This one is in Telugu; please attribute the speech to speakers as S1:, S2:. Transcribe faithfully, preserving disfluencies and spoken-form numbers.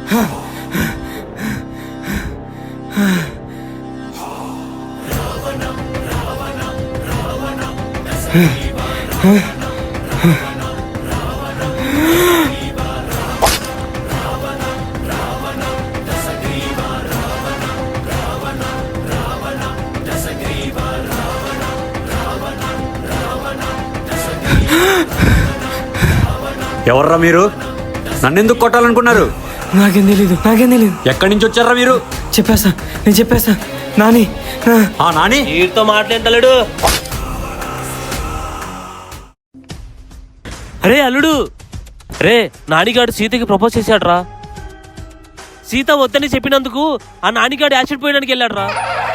S1: ఎవర్రా మీరు? నన్నెందుకు కొట్టాలనుకున్నారు?
S2: నాకేం తెలీదు నాకేం తెలీదు
S1: ఎక్కడి నుంచి వచ్చారా మీరు?
S2: చెప్పేస్తా నేను చెప్పేస్తా. నాని
S1: ఆ నాని
S3: వీటితో మాట్లాడలేడు. అరే అల్లుడు, రే నానిగాడు సీతకి ప్రపోజ్ చేశాడ్రా. సీత వద్దని చెప్పినందుకు ఆ నానిగాడు యాసిడ్ పోయడానికి వెళ్ళాడ్రా.